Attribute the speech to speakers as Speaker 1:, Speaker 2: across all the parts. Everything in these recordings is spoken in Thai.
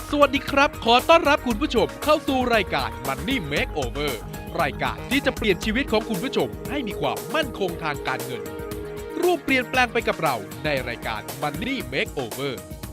Speaker 1: สวัสดีครับขอต้อนรับคุณผู้ชมเข้าสู่รายการ Money Makeover รายการที่จะเปลี่ยนชีวิตของคุณผู้ชมให้มีความมั่นคงทางการเงินร่วมเปลี่ยนแปลงไปกับเราในรายการ Money Makeover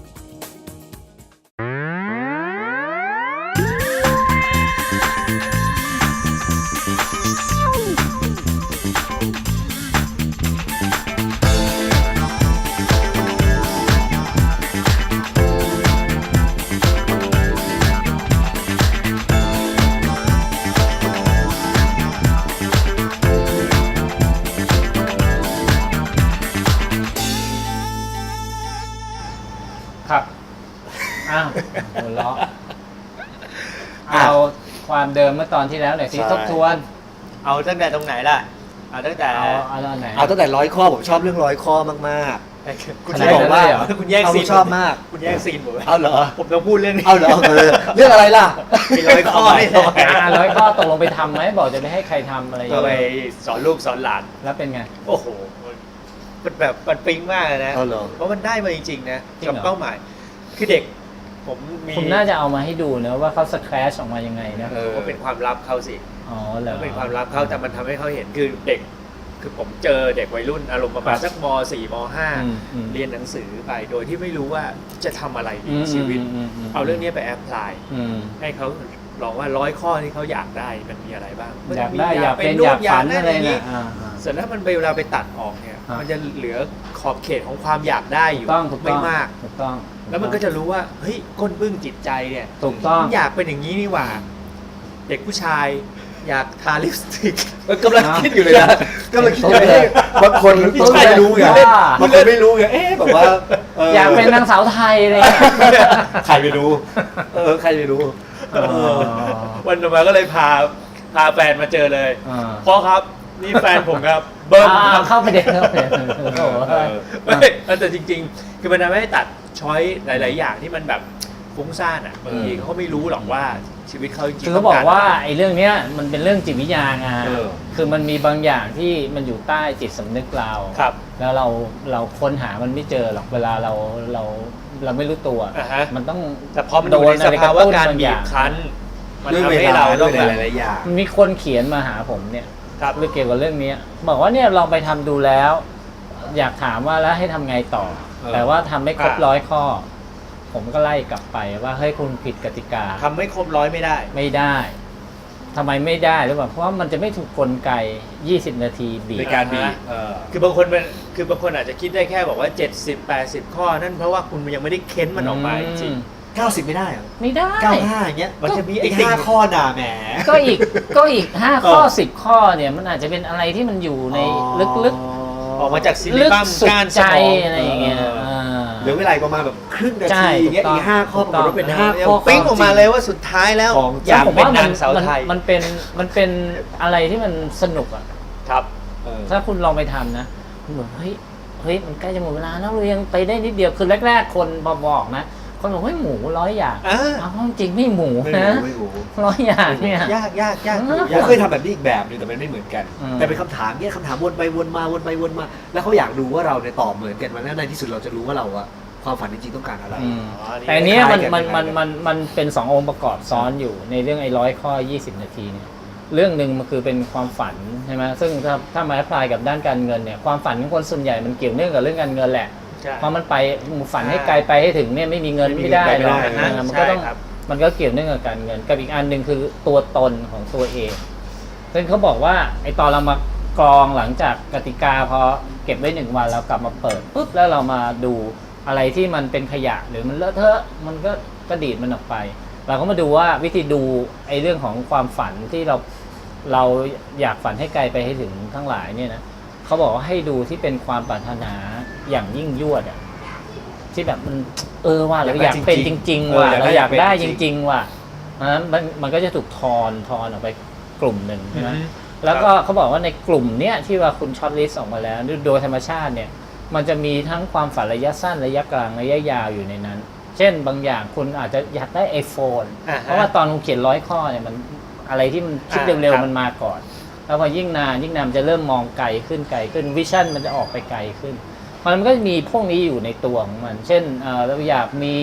Speaker 2: ครับอ้าวหัวเราะเอาความเดิมเมื่อตอนที่แล้วหน่อยสิ
Speaker 3: ใช่
Speaker 2: ทบทวน
Speaker 3: เอาตั้งแต่ตรงไหนล่ะ เอาตั้งแต่
Speaker 2: เอาตอนไหน
Speaker 4: เอาตั้งแต่100 ข้อผมชอบเรื่อง100 ข้อมากๆ
Speaker 3: คุณ
Speaker 2: ขนาด
Speaker 3: จะบอกว่า
Speaker 2: นั้นเลยเหรอ
Speaker 3: คุณแยก
Speaker 4: เอา
Speaker 3: ซีน
Speaker 4: ชอบมาก
Speaker 3: คุณแยกซีนผม
Speaker 4: เอาเหรอ
Speaker 3: ผมต้องพูดเรื่องนี้
Speaker 4: เอาเหรอเรื่องอะไรล่ะ
Speaker 3: มี100 ข้อนี่แหละ
Speaker 2: 100 ข้อตกลงไปทำไหมบอกจะไม่ให้ใครทำอะไรอย่าง
Speaker 3: ก็ไป
Speaker 2: เงี้ย
Speaker 3: สอนลูกสอนหลาน
Speaker 2: แล้วเป็นไง
Speaker 3: โอ้โหมันแบบมันปิ๊งมากเลยนะ
Speaker 4: เอาเหรอ
Speaker 3: เพราะมันได้มาจริงๆนะ
Speaker 2: จริงเหรอ
Speaker 3: กับเป้าหมาย คือเด็ก ผมมี
Speaker 2: คุณน่าจะเอามาให้ดูนะว่าเขาสแครชออกมายังไงนะ
Speaker 3: ก็เป็นความลับเขาสิ
Speaker 2: อ๋อเหรอ
Speaker 3: ก็เป็นความลับเขาแต่มันทำให้เขาเห็นคือเด็ก คือผมเจอเด็กวัยรุ่นอารมณ์ประมาณสักม .4 ม .5 เรียนหนังสือไปโดยที่ไม่รู้ว่าจะทำอะไรดีในชีวิต เอาเรื่องนี้ไปแอพพลาย ให้เขาลองว่า100 ข้อที่เขาอยากได้มันมีอะไรบ้าง
Speaker 2: อยากได้อยากเป็น
Speaker 3: นู่
Speaker 2: อยากฝัน
Speaker 3: ด้
Speaker 2: อะไร
Speaker 3: ย่าง
Speaker 2: นะอ่า
Speaker 3: เสร็จแล้วมันเวลาไปตัดออกเนี่ย
Speaker 2: อ่ามั
Speaker 3: มันจะเหลือขอบเขตของความอยากได้อยู่
Speaker 2: ถูกต้
Speaker 3: ไม่
Speaker 2: อง
Speaker 3: มาก
Speaker 2: ถูกต้อง
Speaker 3: แล้วมันก็จะรู้ว่าเฮ้ยก้นบึ้งจิตใจเนี่ย
Speaker 2: ถูกต้อง
Speaker 3: อยากเป็นอย่างนี้นี่หว่า เด็กผู้ชายอยากทาลิปสติก
Speaker 4: กำลังคิดอยู่เลยนะกำลังคิดอยู่เลยบางคนไม่รู้ไง
Speaker 2: ว่า
Speaker 4: บางคนไม่รู้ไงแบบว่า
Speaker 2: อยากเป็นนางสาวไทยเลย
Speaker 4: ใครไม่รู้ใครไม่รู้
Speaker 3: วันต่อมาก็เลยพาแฟนมาเจอเลย
Speaker 2: อ่า
Speaker 3: พ่อครับนี่แฟนผมครับเบิ้มครับ
Speaker 2: เข้าไปเด็กเข้าไปโอ้โห
Speaker 3: ไม่แต่จริงๆ คือมันทำให้ตัดช้อยหลาย ๆ อย่างที่มันแบบฟุ้งซ่านอ่ะบางทีเขาไม่รู้หรอกว่าชีวิตเขาจริงๆ
Speaker 2: คือเขาบอกว่าไอ้เรื่องเนี้ยมันเป็นเรื่องจิตวิทยาไง
Speaker 4: อ
Speaker 2: คือมันมีบางอย่างที่มันอยู่ใต้จิตสำนึกเรา
Speaker 3: ครับ
Speaker 2: แล้วเราค้นหามันไม่เจอหรอกเวลาเราไม่รู้ตัว
Speaker 3: อ่าฮะ
Speaker 2: มันต้อง
Speaker 3: แต่พอมันอยู่ในสภาวะการบีบคั้น มัน
Speaker 4: ด้วย
Speaker 3: ทำ
Speaker 4: เว
Speaker 3: ให้
Speaker 4: ลา
Speaker 3: เรา
Speaker 4: ด้
Speaker 3: ต้
Speaker 4: ว
Speaker 3: อย งแบบ
Speaker 4: หลายๆอย่าง
Speaker 2: มีคนเขียนมาหาผมเนี่ย
Speaker 3: ครับ
Speaker 2: เรื่องเกี่ยวกับเรื่องนี้บอกว่าเนี่ยลองไปทำดูแล้ว อยากถามว่าแล้วให้ทำไงต่อ แต่ว่าทำไม่ครบ100 ข้อ ผมก็ไล่กลับไปว่าเฮ้ยคุณผิดกติกา
Speaker 3: ทำไม่ครบ100ไม่ได้
Speaker 2: ไม่ได้ทำไมไม่ได้หรือเปล่าเพราะว่ามันจะไม่ถูกกลไก 20 นาทีบีบ
Speaker 4: ในการบีบ
Speaker 3: คือบางคนอาจจะคิดได้แค่บอกว่า 70-80 ข้อ นั่นเพราะว่าคุณยังไม่ได้เค้นมันออกมาจริง
Speaker 4: 90 ไม่ได้เหรอ
Speaker 2: ไม่ได้
Speaker 4: 95อย่างเงี้ย
Speaker 3: มันจะมี
Speaker 4: ไอ้
Speaker 3: ไอ้ติ่ง
Speaker 4: 5 ข้อด่าแหม
Speaker 2: ก็อีก5 ข้อ 10 ข้อเนี่ยมันอาจจะเป็นอะไรที่มันอยู่ในลึก
Speaker 3: ออกมาจากซิ
Speaker 2: ๆ
Speaker 3: ลิ
Speaker 2: ลึก
Speaker 3: บัม
Speaker 2: สุด
Speaker 3: ก้านส
Speaker 2: ใจ
Speaker 3: มอง
Speaker 2: อะไรอย่างเงี้ย
Speaker 4: เหลือเวลาประมาณแบบครึ่งนา
Speaker 2: ใช่
Speaker 4: ทีเงี้ย
Speaker 2: ถูกต้อง
Speaker 4: อีก5 ข้อปรากฏว่าเป็น
Speaker 2: ถูกต้อง
Speaker 4: 5 ข้อ
Speaker 3: ปิ้งออกมาเลยว่าสุดท้ายแล้ว
Speaker 4: ของ
Speaker 3: อยาก
Speaker 2: ผม
Speaker 3: เป็น
Speaker 2: ว่า
Speaker 3: นางสาวไทย
Speaker 2: มันเป็นอะไรที่มันสนุกอ่ะ
Speaker 3: ครับ
Speaker 2: ถ้าคุณลองไปทำนะคุณบอกเฮ้ยมันใกล้จะหมดเวลาแล้วเรายังไปได้นิดเดียวคือแรกๆคนบอกนะคนบอกเฮ้ยหมู100 อย่าง
Speaker 3: อ่า
Speaker 2: เอาจริงไม่หมู
Speaker 4: ไม่
Speaker 2: นะ
Speaker 4: รู้
Speaker 2: 100 อย่างเนี่ย
Speaker 3: ยาก
Speaker 4: ผมเคยทำแบบนี้อีกแบบหนึงแต่มันไม่เหมือนกัน
Speaker 2: อืม
Speaker 4: แต่เป็นคำถามเนี่ยคำถามวนไปวนมาวนไปวนมา แล้วเขาอยากดูว่าเราเนี่ยตอบเหมือนกันมาแล้วในที่สุดเราจะรู้ว่าเราอะความฝันจริงๆต้องการอะไร
Speaker 2: อืม
Speaker 3: อ๋อนี่
Speaker 2: แต่อันเนี้ยมัน
Speaker 4: คล้ายๆกัน
Speaker 2: มันเป็น2 องค์ประกอบซ้อนอยู่ในเรื่องไอ้100 ข้อ 20 นาทีเนี่ยเรื่องหนึ่งมันคือเป็นความฝันใช่ไหมซึ่งถ้ามาแอพพลายกับด้านการเงินเนี่ยความฝันของคนส่วนใหญ่มันเกี่ยวเนื่องกับเรื่องการเงินแหละ
Speaker 3: ใช่
Speaker 2: เพราะมันไปฝันให้ไกลไปให้ถึงเนี่ยไม่มีเงินไม่ได้หรอก
Speaker 4: ไม่ได้
Speaker 2: มันก็ต้อง
Speaker 3: ใช่ครับ
Speaker 2: มันก็เกี่ยวเนื่องกับการเงินกับอีกอันหนึ่งคือตัวตนของตัวเองซึ่งเขาบอกว่าไอ้ตอนเรามากรองหลังจากกติกาพอเก็บไว้1 วันเรากลับมาเปิดปุ๊บแล้วเรามาดูอะไรที่มันเป็นขยะหรือมันเลอะเทอะมันก็ดีดมันออกไป เราก็มาดูว่าวิธีดูไอ้เรื่องของความฝันที่เราอยากฝันให้ไกลไปให้ถึงทั้งหลายเนี่ยนะเขาบอกว่าให้ดูที่เป็นความปรารถนาอย่างยิ่งยวดอะที่แบบมันว่าเราอยากเป็นจริงๆว่ะเราอยากได้จริงๆว่ะนั้นมันก็จะถูกทอนออกไปกลุ่มหนึ่งใช่ไหมแล้วก็เขาบอกว่าในกลุ่มเนี้ยที่ว่าคุณช็อตลิสต์ออกมาแล้วโดยธรรมชาติเนี่ยมันจะมีทั้งความฝันระยะสั้นระยะกลางระยะยาวอยู่ในนั้น เช่นบางอย่างคุณอาจจะอยากได้ iPhone เพราะว่าตอนคุณเขียน100 ข้อเนี่ยมันอะไรที่มันคิดเร็วๆมันมาก่อน แล้วพอยิ่งนานมันจะเริ่มมองไกลขึ้นวิชั่นมันจะออกไปไกลขึ้นมันก็มีพวกนี้อยู่ในตัวของมัน เช่นเราอยากมี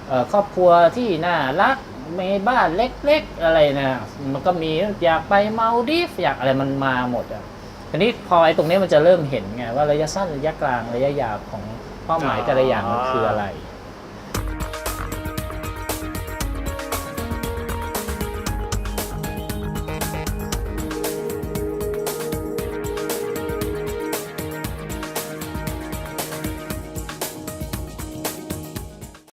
Speaker 2: ครอบครัวที่น่ารักมีบ้านเล็กๆอะไรนะมันก็มีอยากไปมาลดีฟอยากอะไรมันมาหมดอ่ะทีนี้พอไอ้ตรงนี้มันจะเริ่มเห็นไงว่าระยะสั้นระยะกลางระยะยาวของเป้าหมายแต่ละอย่างมันคืออะไร